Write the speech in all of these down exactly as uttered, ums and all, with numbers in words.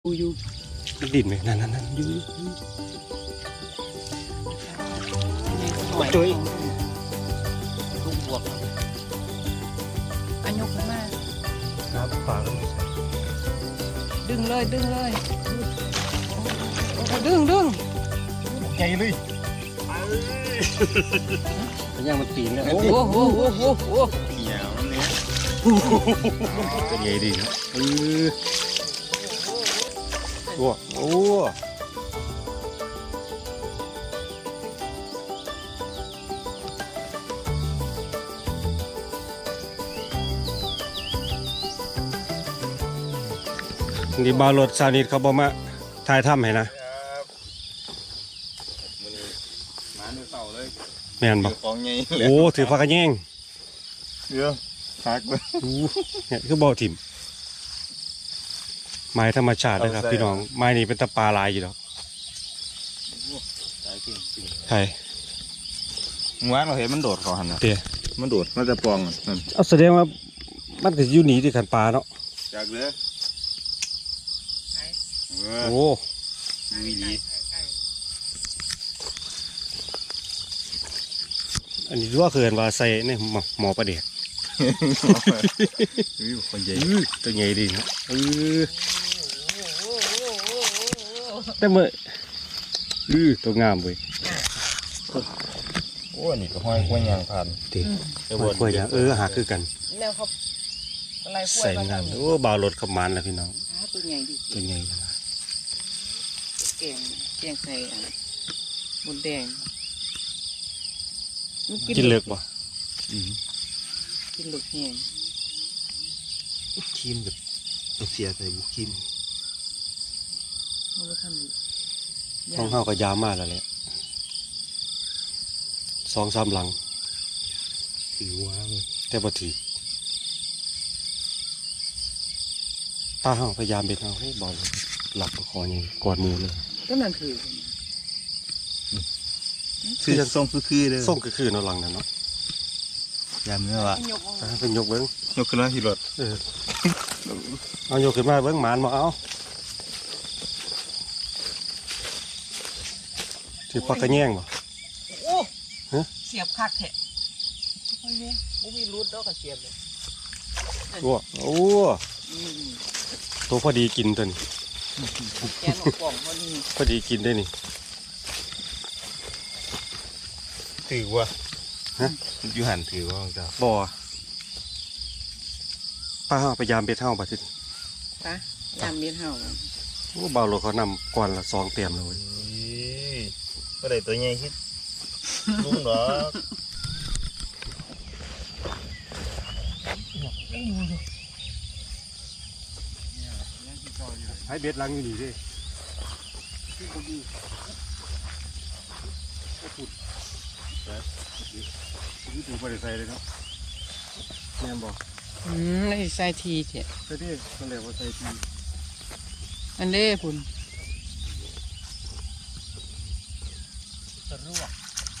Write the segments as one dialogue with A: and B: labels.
A: อยู่อยู่
B: ดินไหมนั่นนั่นนั่นอยู่
A: จุ้ยลูกบวกอันยกขึ้นมา
B: ครับฝาแล้ว
A: ดึงเลยดึงเลยดึงดึง
B: ใหญ่เลยเป็นยังมันตีนแล้ว
A: โอ้โหโอ้โหโอ้โห
C: เขียวนั่นเนี่ย
B: เป็นใหญ่ดีนะเออโอ้โอ้นี่บาวรถซานิดเขาบอกมาถ่ายถ้ำให้นะ
C: มาดูเสาเลย
B: แม่นบอก
C: ของใหญ่
B: โอ้ถือปากกระแยง
C: เดี๋ยวพักเลย
B: เนี่ยคือบ่อถิ่มไม้ธรรมชาติเลยครับพี่น้องไม้นี้เป็นตะปลาลายอยู่แล้วใช่
C: เมื่อวานเราเห็นมันโดดเขาหันนะ
B: เตี้ย
C: มันโดดมันจะปองนั่น
B: เอาแสดงว่ามันก็อยู่หนีที่ขันปลาเนาะ
C: จากเลย
B: โอ้
C: วีดี
B: อันนี้ว่าเกินว่าใส่เนี่ยหมอประเดี๋ยว
C: คนใหญ่
B: ตัวใหญ่ดีนะเออแต่เมื่ออือตัวงามเว้ย
C: โอ้นี่ก็ห้อยกล้วยยางพัน
B: ตีห้อยกล้วยยางเออหาคือกัน
A: แนวเขา
B: ใส่งามโอ้บ่าวรถขับมันแล้วพี่น้อง
A: ตัวใหญ่ดิ
B: ตัวใหญ่นะ
A: แกงแกงใส่บนแดง
B: กินเลือกบ่
A: กินเลือกแห้ง
B: ครีมแบบเสียใส่บุครีม
A: เขาทำ
B: ต้องเข้ากับยาวมากแล้วแหละสองสามหลังถือว้าเลยแต่บ่ถือตาห้องพยายามเป็นเอาให้บอลหลับคอยังกอดมือเลย
A: ก็นั่นคือ
C: คือจะส่งคือคือเลย
B: ส่งคือคือเนาะหลังนั่นเนาะ
C: ยามเนื้อวะ
B: เป็นยกเบิ้ง
C: ยกขึ้นมาที่รถ
B: เออเอายกขึ้นมาเบิ้งหมานมาเอาถือปากกระแยงบ่
A: โอ้เสียบคักแท้โอ้ยเนี่ยบ่มีรูดดอกกระเสียบเลย
B: โอ้โอ้ตัวพอดีกินตัวนี้
A: แกนกล่องพอดี
B: พอดีกินได้นี่
C: ถือว่าฮะยูหันถือว่าจ้า
B: บ่ป้าเฮาพยายามเบ็ดเฮาบ่ทิ
A: ป้ายามเบ็ดเฮา
B: โอ้เบาโลเขานำก่อนละสองเต็มเลย
C: ก็ได้ตัวใหญ่คิดลุงหรอ
B: ให้เบ็ดลังอยู่นี่ดินี่ดูบริษัทเลยครับแม่บอก
A: อืมนี่ใส่ทีเถอะ
B: ใส่ทีนั่นแหละว่าใส่ที
A: อันเล่พุ่น
C: สรุป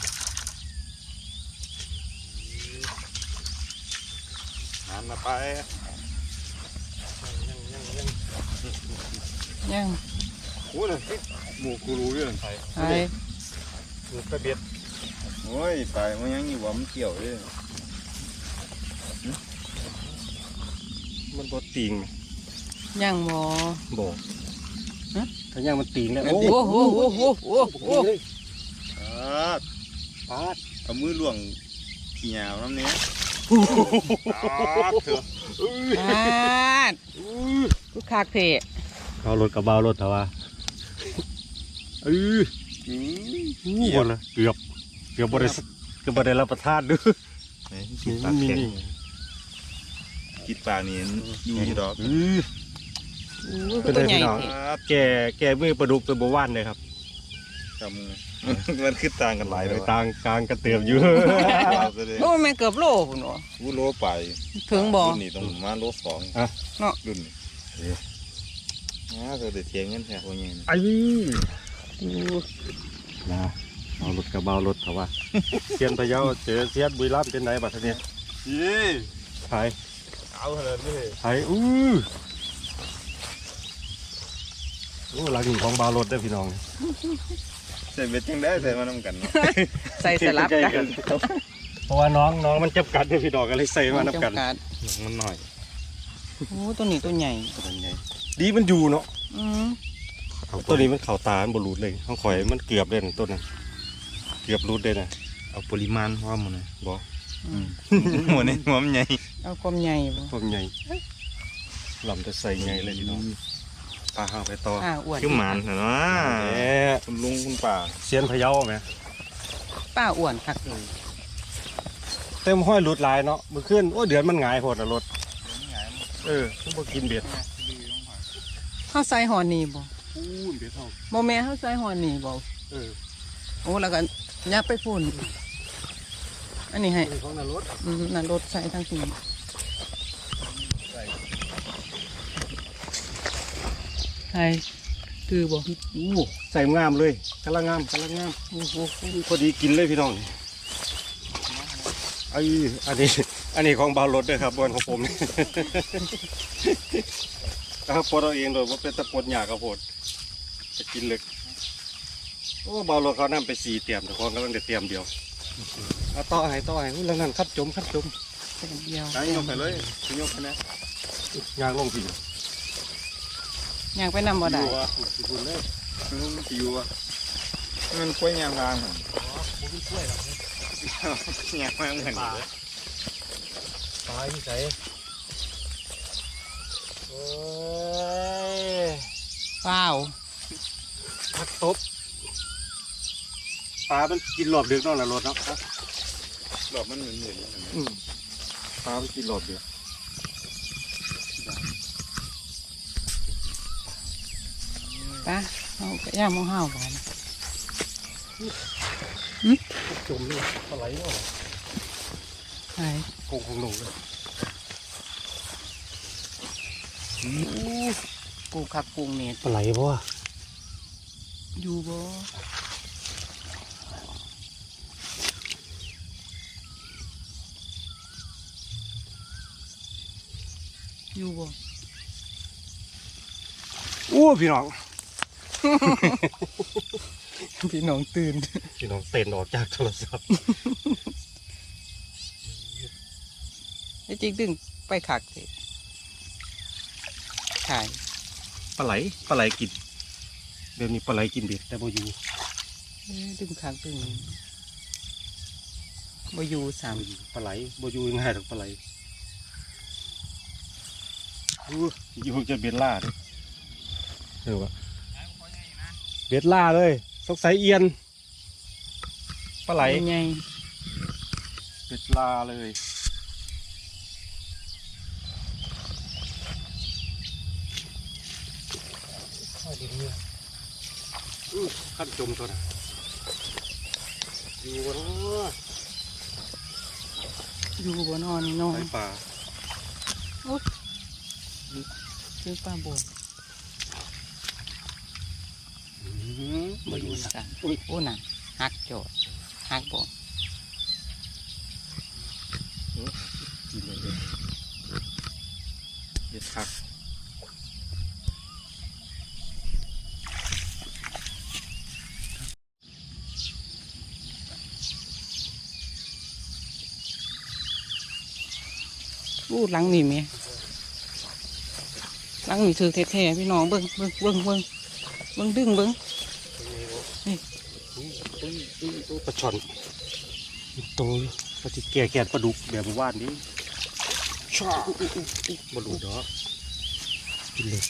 C: หันมาไป
A: ยัง
C: โอ้ยหมูกูรู้เรื่องไทย
A: ไทย
C: หมูกระเบียดโอ้ยตายมันยังอยู่ว่ามันเกี่ยวเลย
B: มันบดติง
A: ยังบ่
B: บ่ถ้ายังมันติงแล้ว
A: โอ้โหโอ้โหโอ้โหโอ้โห
C: ปาดเอามือล่วงเขียวน้ำเนี้ย
A: ปาดลูกคากเทะ
B: เอารถกับเบารถเถอะวะเออนี่หมดเลยเกือบเกือบบริษัทเกือบบริษัทรับประทานด้วย
C: กินปลาแข็งกินปลาเนี้ยอยู่ที่ดอก
B: เป็นตัวใหญ่แก่แก่มือปลาดุกเป็นบวานเลยครับ
C: จำมันขึ้นต่างกันหลายเลย
B: ต่างกลางกระเตียมอยู่
A: โอ้แม่เกือบโลคุณหรอ
C: วูโลไป
A: ถึงบ่
C: รุ่นนี้ต้องมาโลสอง
A: เนาะ
C: รุ่นนี้น่าจะเดือดเทียงเงินแท้คนนี้
B: ไอ้นะเอารถกับเบารถเถอะวะเซียนพะเยาเจอเซียนบุรีรัมย์เป็นไหนบัดนี้
C: ยี่
B: ไทย
C: เอาเลยนี่
B: ไทยอู้โอ้หลังหินของบาวรถได้อพี่น้อง
C: ใส่เบ็ดจังได้ใส่มานำกันเนาะ
A: ใส่สลับกัน
B: เพราะว่าน้องน้องมันจับกัดได้อพี่น้องก็เลยใส่มานับกัน
A: จำด
C: มันหน่อย
A: โอ้ตัวนี้ตัวใหญ่
B: ตัวใหญ่ดีมันอยู่เนาะ
A: อืม
B: ตัวนี้มันเข่าตามันบรูดเลยข้างข่อยมันเกือบเลยนะต้นนั้นเกือบรูดเลยนะ
C: เอาปริมาณพอหมดเลย
B: บ่
A: อืม
C: หัวนี่หัวมันใหญ่
A: เอาความใหญ่บ่
B: ต้นใหญ่ลำจะใส่ใหญ่เลยพี่น้องปลาห้างไปต่อ
A: อ่าอ้วน
C: คือหมานเห็นไหม
B: แหม
C: คุณลุงคุณป่า
B: เสียนพะเยาไหม
A: ป้าอ้วนคักเลย
B: เต็มห้อยรูดลายเนาะมือขึ้นโอ้เดือนมันหงายโพดอะรถเออต้องบ่กินเบ็ด
A: เฮาใส่หอนี่บ่
B: อู้นเบ็ดเท่า
A: บ่แม่เฮาใส่หอนี่บ่
B: เออ
A: โอ้แล้วก็ยับไปพุ่นอันนี้ให้
B: เป็นของนรถ
A: อืมนั่นรถใส่ทั้งทีใช่คือบ่
B: อู้ใส่งามเลยกำลังงามกำลังงามโอ้โหพอดีกินเลยพี่น้องไอ้อันนี้อันนี้ของบาวรถด้วยครับบนของผมนี่ ครับปลดเอาเองโดยว่าเป็นตะปดหยากับโพดจะกินเล็กโอ้บาวรถเขานำไปสี่เตรียมแต่ของกำลังจะเตรียมเดียวเอาต่อให้ต่อให้อุ้ยแล้วนั่นคัดจมคัดจม
A: แค่เดียว
C: ตั้งยกไปเลยยกไปนะ
B: ยางลงพี่
A: ย่างไปนำบ่ได้
B: อยู่อ่ะคุณเลย
C: มันจะอยู่อ่ะมันกล้วยยางกลางอ่ะยางมาเหมือนเลย
B: ตายที่ใส่โอ้ย
A: ว้าว
B: พักตบปลามันกินหลอบดึกเนาะนะรถเนาะ
C: หลอกมันเหมือนเหมือน
B: อืมปลามันกินหลอบดึก
A: ปะเอาไปย่างมองห้าวบ่นะ
B: จมเลยปลาไหลเนาะ
A: ใช่
B: คงคงลงเลย
A: กูคักกุ้งเม็ด
B: ปลาไหลเพราะว่า
A: อยู่บ่อยู่บ่
B: อู้พี่น้อง
A: พี่น้องตื่น
B: พี่น้องเต้นออกจากโทรศัพท์
A: ไอ้จริงดึงไปขักสิใช่
B: ปลาไหลปลาไหลกินเดี๋ยวนี้ปลาไหลกินเบ็ดแต่บ่อยู่
A: เอ้ยดึงขักดึงบ่อยู่สาม
B: บ่อยู่ปลาไหลบ่อยู่ง่ายหรอกปลาไหลอู้อยู่จะเบ็ดล่าเด้เออวะเบ็ดล่าเลยสงสัยเอียนปลาไหล
A: ใหญ่
B: เบ็ดล่าเลยอู้ขั้นจมตัวน่ะอยู่วะเนาะ
A: อยู่บนหอนี่น้อง
B: ไอปลา
A: ซื้อปลาบน
B: มาอยู่สัก
A: กันโอ้น่ะหักโจดหักบ่
B: กินเลยเด็ดคัก
A: อู้หลังนี่แม่หลังนี่ถือแท้ๆพี่น้องเบิ่งเบิ่งเบิ่งเบิ่งเบิ่งดึงเบิ่ง
B: ปลาช่อนโตปลาที่แก่แก่ปลาดุกแบบว่านนี้ชาบดูดอกกินเลย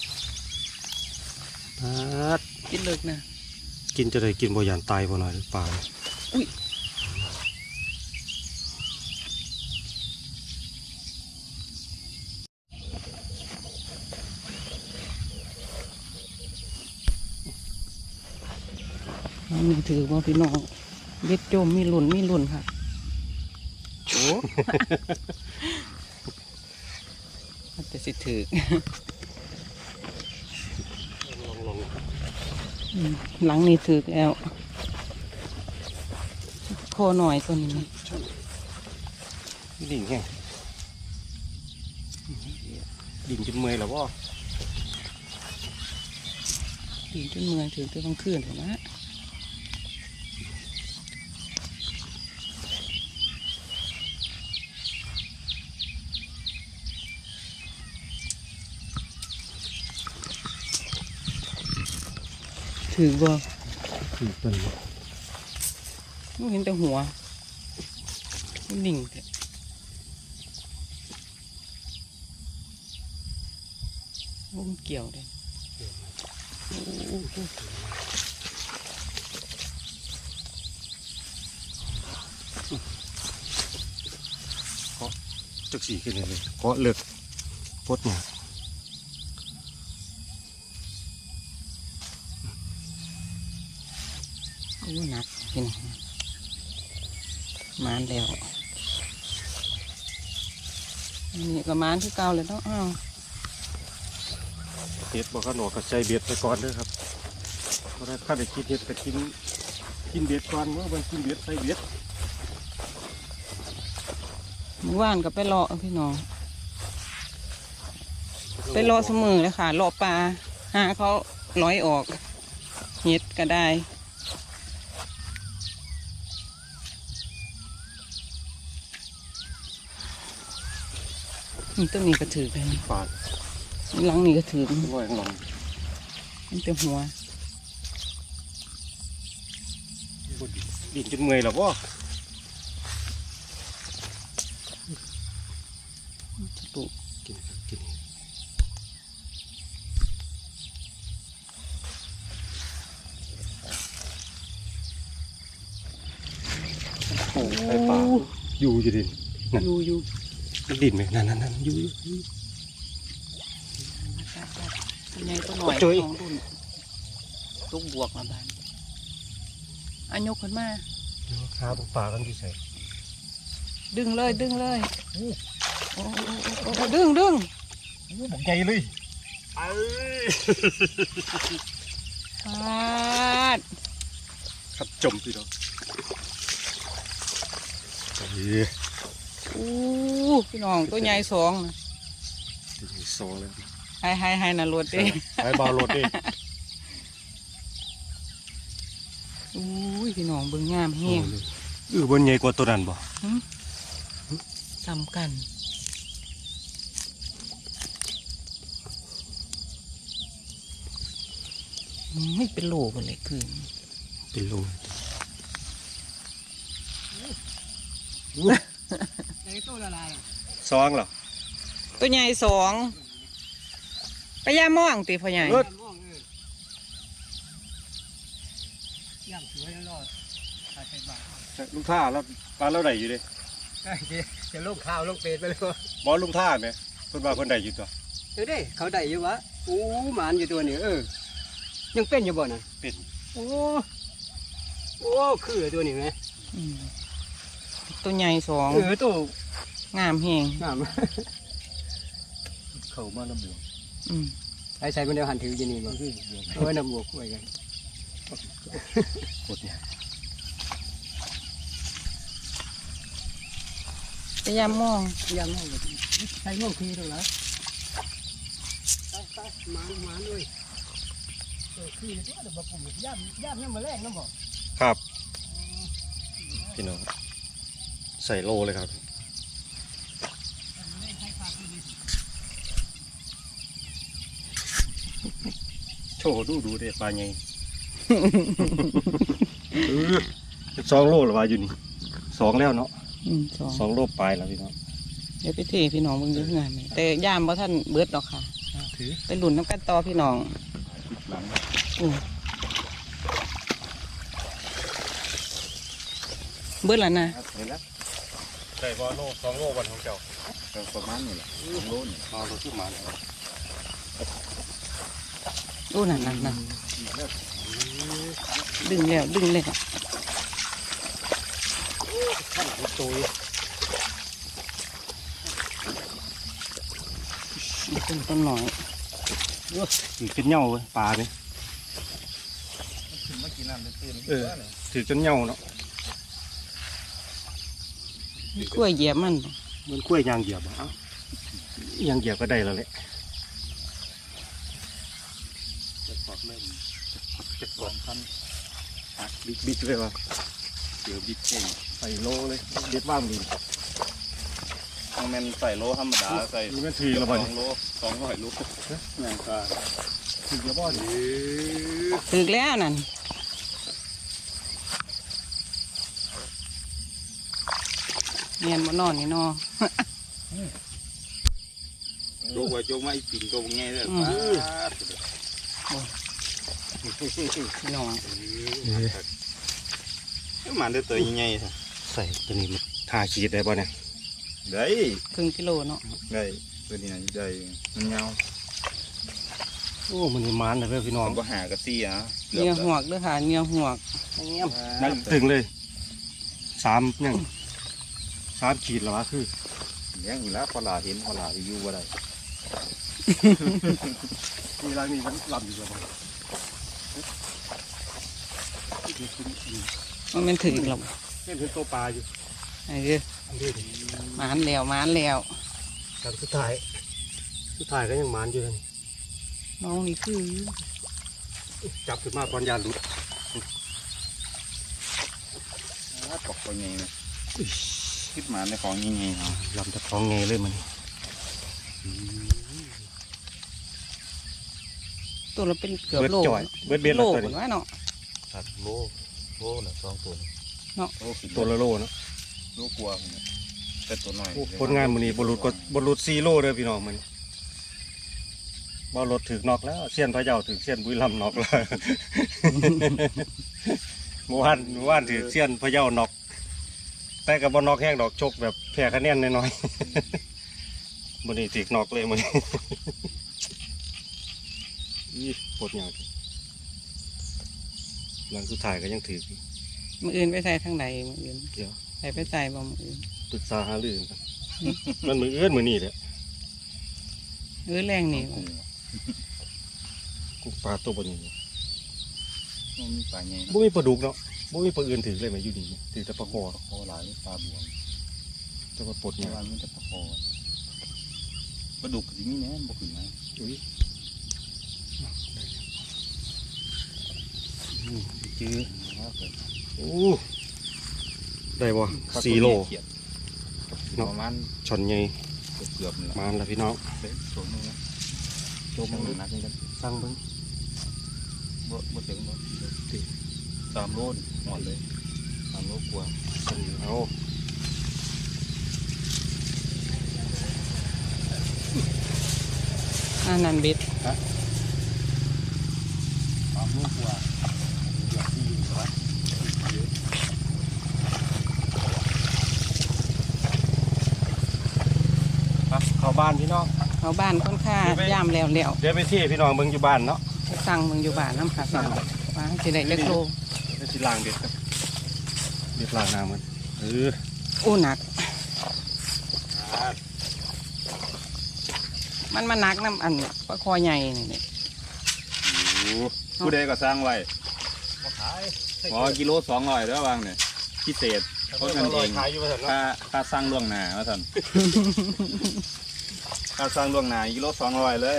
B: ปัด
A: กินเลิกนะ
B: กินจะได้กินบ่ยานตายบ่หน่อยปลา
A: อุ้ยหลังนี่ถือว่าพี่น้องเบ็ดโจมมีหลุ่นมีหลุ่นค่ะโอ้ มันจะสิถือ
B: ลองลอง
A: อืมหลังนี่ถือแล้วคอหน่อยตัวนี้นะ
B: ดิ่งแห้งดิ่งจนเมื่อยแล้วบ่
A: ถึงจนเมืองถึงตัวกลางคืนเลยนะถือบ่
B: คือต้น
A: ไม่เห็นแต่หัวมันนิ่งแท้วงเกี่ยวเลยโอ้โห
B: จักสีขึ้นเลยเกาะเลือกปดเนี่ย
A: โอ้หนักพี่น้องมานแล้วนี่ก็มานที่เก่าเลยเนาะอ้าว
B: เห็ดบอกขนมกับใจเบ็ดไปก่อนเด้อครับเพราะถ้าข้าได้กินเห็ดก็กินกินเบ็ดก่อนเมื่อมันกินเบ็ดใส่เบ็ด
A: เมื่อวานก็ไปเลาะพี่น้อง ไปเลาะเสมอเลยค่ะเลาะปลาหาเขาร้อยออกเห็ดก็ได้นี่ต้นนี้ก็ถือไป
B: ปาด
A: หลังนี้ก็ถือ
B: ลอยลง
A: มันเป็นหัว
B: ดินจนเมื่อยแล้วว่
A: จะตุก
B: กินกินโอ้ไอ้ปลาอยู่อยู่ดิน
A: อยู่อยู่
B: มันดินไหมนั่นนั่นนั่นอยู่อยู่
A: ตัวใหญ่ตัวหน่อย
B: จุ๊ย
A: ของรุ่นลูกบวกมาบ้านอันยกขึ้นมา
B: เดี๋ยวขาบุกปลากันที่ใส่
A: ดึงเลยดึงเลยโอ้โอ้โอ้โอ้โอ้ดึงดึง
B: บุกใหญ่เลยเอ้ย
A: ปาด
B: ครับจมพี่น้องเอ้ย
A: อู้พี่น้องตัวใหญ่สองนะ
B: ถึงสองแล้ว
A: ให้ให้ให้น่ะรวดเด้
B: ไปบอลรถดิ
A: อู้ยพี่น้องเบิ่งงามแห้ง
B: เออบนใหญ่กว่าตัวนั้นบ่
A: สำกันไม่เป็นโลกันเลยคือ
B: เป็นโล
A: ในตัวละลาย
B: สองเหรอ
A: ตัวใหญ่สองไปย่าม่องตีพ่อใหญ่
B: รถ
A: ย่างสวยแล้วรอดขาดไปบาท
B: ลุงท่าแล้วปลาเราได้อยู่ดิ
D: จะลูกข้าวลูกเป็ดไปเลยวะ
B: บอลลุงท่าไหมเพิ่นว่าเพิ่นได้อยู่ตัว
D: เดี๋ยวดิเขาได้อยู่วะโอ้หมานอยู่ตัวนี้เออยังเป็นอยู่บ่น่ะ
B: เป็น
D: โอ้โอ้คือตัวนี้ไหม
A: อืมตัวใหญ่สอง
D: เออตัว
A: งามแห้ง
D: งาม
B: เข้ามาน้ำบวก
A: อืม
D: ไอ้ใส่มันเดียวหันถืออยู่นี่บ่เออน้ำบวกไว้กัน
B: กดเนี่ย
A: ไปย่าม่อง
D: ยังไงใส่ง่วงคือเท่าไหร่ไปไปหมานหมานเลยเออคือตัวเดี๋ยวบ่ปุ่มย่ำย่ำยังมาแรกน้ำบ่
B: ครับพี่น้องใส่โลเลยครับโชว์ดูดูเด้ปลาใหญ่ เออสองโลหรือว่าอยู่นี่สองแล้วเนาะ
A: อืมสอง
B: สองโลปลายแล้วพี่น้อง
A: เดี๋ยวไปเทพี่น้องมึงเยอะงานไหมแต่ย่ามว่าท่านเบิดหรอกค่ะ
B: ถือ
A: ไปหลุนน้ำกันต่อพี่น้องอืมเบิดแล้วนะ
B: เห็นแล้วใส่บอลโลสองโลวันของเจ้า
C: ประมาณนี้แหละสองโลนี่
B: มาโลที่มาแล้ว
A: โอ้นั่นนั่นนั่นดึงแล้วดึงเลยค่ะ
B: ตัว
A: ต้นต้นหน่อย
B: ถือจนเหย่าเลยปลาเนี่ย
C: ถึงมากินน้ำตื่น
B: เออถือจนเหย่าเนาะ
A: กล้วยเหยียบมัน
B: มันกล้วยยางเหยียบอ่ะเอ้า ยางเหยียบก็ได้แล้วแหละ
C: จะขอบเริ่มเจ็ดสองพัน
B: บิ๊กบิ๊กเลยวะ
C: เดี๋ยวบิ๊กเก่ง
B: ใส่โลเลยเด็ดว่างดี
C: ต้องแม่นใส่โลธรรมดาใส่
B: นี่มันถือ
C: ส
B: ละ
C: อ
B: บ่
C: ง
B: นี่
C: โลสองร้อยโลแม่งก็
B: ถือละบ่นี่
A: ถึกแล้วนั่นเนียนบ่นอนนี่นอ
C: โจกไว้โจกมาอีปิ่นโจกง่ายเลย
A: อืม พี่น้อง
C: มันได้ตัวใหญ่ๆ
B: ใส่ตัวนี้มันทาขีดได้บ่เนี่ย
C: ได้
A: ครึ่งกิโลเนาะ
C: ได้ตัวนี้ได้มันยาว
B: โอ้มันนี่มันเลยพี่น้อง
C: ผมก็หากระซี่อ่ะ
A: เหนียวหวกเด้อค่ะเหนียวหวก
B: นั่งถึงเลยสามยังสามขีดแล้ววะคือ
C: เลี้ยงอยู่แล้วพอหลาเห็นพอหลาไปอยู่ว่าได้
B: มีอะไรนี่มันลำอยู่แล้วบ่
A: มันเป็นถึกหรอก
B: เห็นเป็นตัวปลาอยู่
A: เออหมานแล้วหมานแล้ว
B: แต่สุดท้ายสุดท้ายก็ยังมันอยู่เลย
A: น้องนี่คือ
B: จับขึ้นมาตอนยานหลุด
C: ตกตัวใหญ่เลยคิดมาในของใหญ่ๆเนาะ
B: ลำตะของไงเลยมัน
A: ตัวเราเป็นเกือบ
B: เบิด
A: โล
B: จ่อยเบิดเบ็ด
A: โล
B: แล้วตัว
A: เหมือ
B: นี้
A: นว่าเนาะ
C: สัตว์โลโลน่ะสองตัวโลกิน
B: ตัวละโลเนาะ
C: โลกลัวแต่ตัวน้อย
B: ผลงานมันนี้บรุษก็บรุษซีโร่เด้อพี่น้องมันบอรถถึกนอกแล้วเสี้ยนพะเยาถึกเสี้ยนบุรีรัมย์นอกแล้ว เมื่อวานเมื่อวานถือเสี้ยนพะเยานอก แต่กับบนอกแห้งดอกชกแบบแพ้คะแนนน้อยๆ มันนี่ถึกนอกเลยมัน นี่ปวดอย่างหลังสุดท้ายก็ยังถือ
A: มืออื่นไปใส่ทางใดมืออื่น
B: เดี๋ยว
A: ใส่ไปใส่บ่มืออื่น
B: ปรึกษาหารือกันมันมือเอื้อนมือนี่แหละ
A: เออแรงนี่
B: กูปลาตัวบนนี้
C: มันมีปลาใหญ่
B: บ่มีปลาดุกเนาะบ่มีปลาอื่นถือเลยไหมอยู่นี่ถือแต่ปลาคอ
C: โคหลายปลาบวง
B: จะมาปลด
C: เพ
B: เนี่ย
C: ราะว่ามันจะปลาคอปลาดุกที่นี่เนี่ยบ่ขึ้นนะ
B: อุ้ยอืมจื้อโอ้ได้บ่สี่โล
C: ประมาณ
B: ช่อนใหญ่
C: เกือบๆ
B: มาแล้วพี่น้อง
C: เป็นตัวนึงนะ
B: โจม
C: มัน
B: มัน
C: หนักกัน
B: สั่งเบิ่ง
C: บ่บ่ถึงบ่ติสามโลหมดเลยสามโลกว่า
B: สั่งเอา
A: อ่านันเบ็ด
C: สามโลกว่า
B: ไปเข้าบ้านพี่น้อง
A: เขาบ้านค่อนข้างย่ามแล้วแล้ว
B: เดี๋ยวไปที่พี่น้องเบิ่งอยู่บ้านเนาะ
A: ไปสั่งมึงอยู่บ้านน้ำขาสั่งว่าสิได้เล็กโล
B: ไปสิล้างเด็ดครับเด็ดล้างน้ำมันเออ
A: อู้หนัก มันมาหนักน้ำอันปลาคอใหญ่นี่นี่
C: ผู้ใดก็สร้างไว้ขอกิโลสองร้อยแล้ววางเนี่ยพิเศษเพราะกันเอง
B: ขายอยู่ว่าซั่นเนาะ
C: ค่าค่าสร้างล่วงหน้าว่าท่านค่าสร้างล่วงหน้ากิโลสองร้อยเลย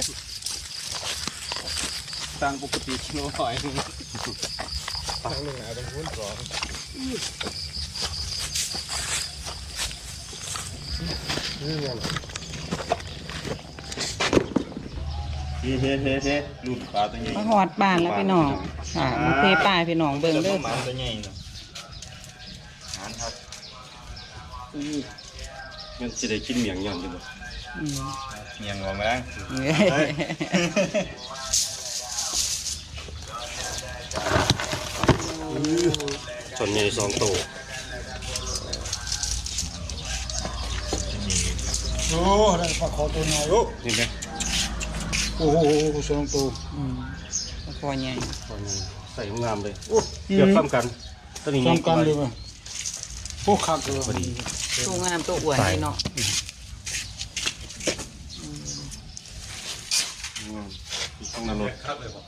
C: สร้างปกติกิโลร้อยหนึ่งสร้างล่วงหน้าเป็นคูณสองเฮ้เฮ้เฮ้เฮ้ลูกปลาตัวใหญ่
A: มาหอดบ้านแล้วพี่น้องค่ะมาเทปลายพี่น้องเบิ่งเด้อ
C: หมาตัวใหญ่เนาะหานครับ
B: มันสิได้กินเมียงย่อนอยู่บ่
A: อืม
C: เมียงหัวแมลง
B: ช่อนใหญ่สองตัว
D: โอ้ได้ปลาคอตัวน้อยโอ้
B: นี่ไหม
D: โอ้โหสองตัว
A: อืมปลาคอใหญ่
B: ช่อนใหญ่ใส่งามเลยโอ้เกือบซ้ำกันตัวนี้
D: สองกันเลยมั้ยพวกคักเลย
B: พอดี
A: ตัวงามตัวอ้วนนี่เนาะ
B: งามต้องนรก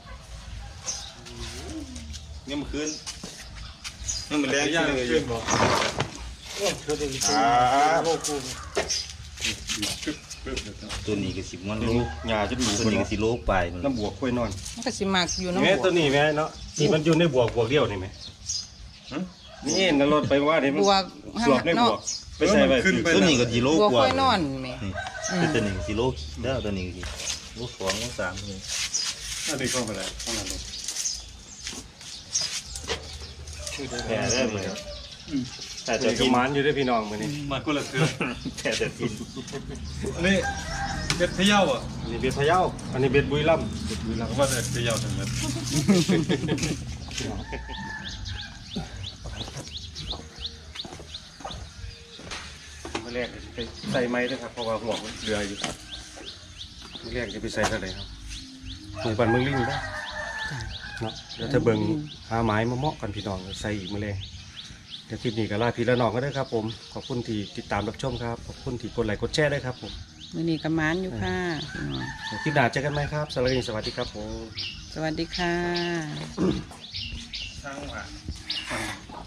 C: นี่มันคืนนี่มันแรงย่างเลยอยู่
D: โอ้เธอได้
C: อ่า
D: โอ้กู
C: ไป
E: ตัวนี้ก็สิบมันโล
B: หญ้าจนหลู
E: ตัวนี้ก็สิโลไป
B: น้ำบวกค่อยนอน
A: มันก็สิมักอยู่น้ำ
B: แม่
A: บั
B: ตัว
A: ว
B: นี้แม่เนาะนี่มันอยู่ในบวกบวกเดียวนี่ไหมนี่นรถไปว่านี่มัน
A: บัว
B: สวบในบวกไปใส่ไปขึ้นไป
E: ตัวนี้ก็สิโล
A: บัว
E: กว่า
A: ค่อยนอนแม่
E: นี่แต่ตัวนี้ก็สิโลเด้อตัวนี้ก็สิโลสองโลสามเลย
B: นั่นนี่เข้าไปแล้วข้างหลังรถ
E: แพ้ได้เลย
B: แต่จะกินมันอยู่ด้วยพี่น้องมือนี่
C: มันก็ละเทือ
E: แพ้แต่กิน
C: อันนี้เบ็ดพะเยาอ่ะ
B: อันนี้เบ็ดพะเยาอันนี้เบ็ดบุรีรัมย์
C: บุรีรัมย์ว่าแต่พะเยาทั้งนั้น
B: มื่อแรกจะไปใส่ไม้ด้วยครับเพราะว่าหัวมันเรืออยู่มื่อแรกจะไปใส่เท่าไหร่ครับหมูปันเมืองลิงได้เนาะแล้วจะเบิ่งหาไม้มาเหมาะกันพี่น้องใส่อีกมื่อแรกเดี๋ยวคลิปนี้ก็ลาพี่ละน้องก็ได้ครับผมขอบคุณที่ติดตามรับชมครับขอบคุณที่กดไลค์กดแชร์ด้วยครับผม
A: มื้อนี้ก็หมานอยู่ค่ะพี่น้อง
B: เดี๋ยวคลิปหน้าเจอกันไหมครับสวัสดีสวัสดีครับผม
A: สวัสดีค่ะ
C: ช่างว่า